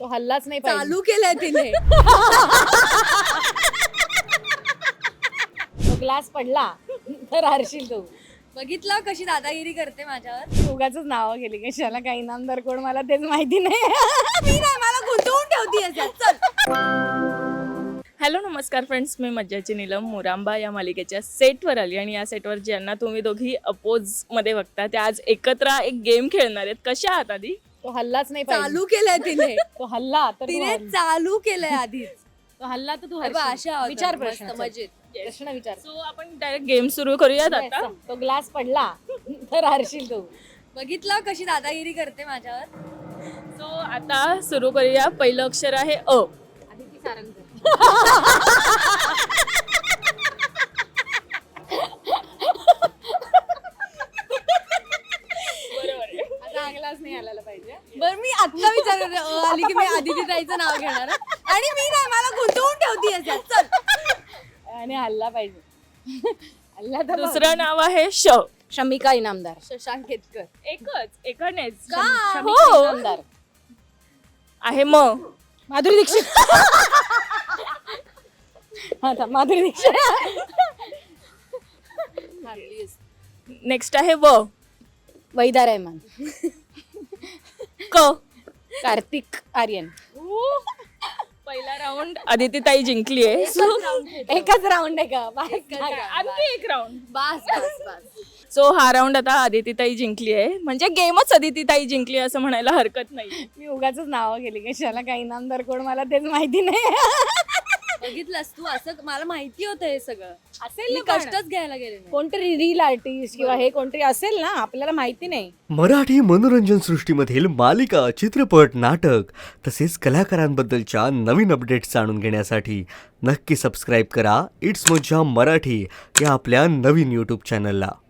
तो हल्लाच नाही पाहिजे. चालू केलंय तिने. तो ग्लास पडला तर हारशील तू. बघितलं कशी दादागिरी करते माझ्यावर. उगाच नावं गेली कशाला, काही इनामदार कोण मला तेच माहिती नाही. मी नाही, मला गुंतवून ठेवती याच्यात. चल. हॅलो नमस्कार फ्रेंड्स, मी मज्जाची नीलम मोरांबा या मालिकेच्या सेटवर आली आणि या सेटवर ज्यांना तुम्ही दोघी अपोजमध्ये बघता त्या आज एकत्र एक गेम खेळणार आहेत. कशा आहात आधी? तो हल्लाच नाही पाहिजे. चालू केलंय तिने. तो हल्ला तर तू तिने हरली. चालू केलंय आधीच. तो हल्ला तर तू अरे बा, हरशील. अशा होतात. विचार मस्त, प्रश्न. मजेत. प्रश्न विचार. सो आपण डायरेक्ट गेम सुरू करूयात आता. तो ग्लास पडला तर हारशील तू. बघितलं कशी दादागिरी करते माझ्यावर. सो आता सुरू करूया. पहिलं अक्षर आहे अ. आदिती सारंगकर. बरोबर आहे. आता ग्लास नाही आलेला पाहिजे. बरं मी आत्ता विचार आली की मी आदिती ताईचं नाव घेणार आणि मी नाही, मला गुंतवून ठेवती याच्यात. चल. आणि हल्ला पाहिजे. हल्ला तर दुसरं नाव आहे श. शमिका इनामदार. शशांक केतकर. एकानेच का? हो. इनामदार. आहे म. माधुरी दीक्षित. आता माधुरी दीक्षित. नेक्स्ट आहे व. वैदा रहमान. क. कार्तिक आर्यन. पहिला राऊंड आदितीताई जिंकली आहे. एकच राऊंड आहे का? आणखी एक राऊंड. बस बस बस. सो हा राऊंड आता आदितीताई जिंकली आहे, म्हणजे गेमच आदितीताई जिंकली असं म्हणायला हरकत नाही. मी उगाच नावं गेली कशाला, काही इनामदार कोण मला तेच माहिती नाही. बघितलंस तू, असं मला माहिती होतं हे सगळं. असेल मी ना पण. कष्टच घ्यायला गेले नाही. कोणतरी रील आर्टिस्ट किंवा हे कोणतरी असेल ना, आपल्याला माहिती नाही. मराठी मनोरंजन सृष्टीमधील मालिका, चित्रपट, नाटक तसेच कलाकारांबद्दलच्या नवीन अपडेट्स जाणून घेण्यासाठी नक्की सबस्क्राईब करा इट्स मज्जा मराठी या आपल्या नवीन यूट्यूब चॅनलला.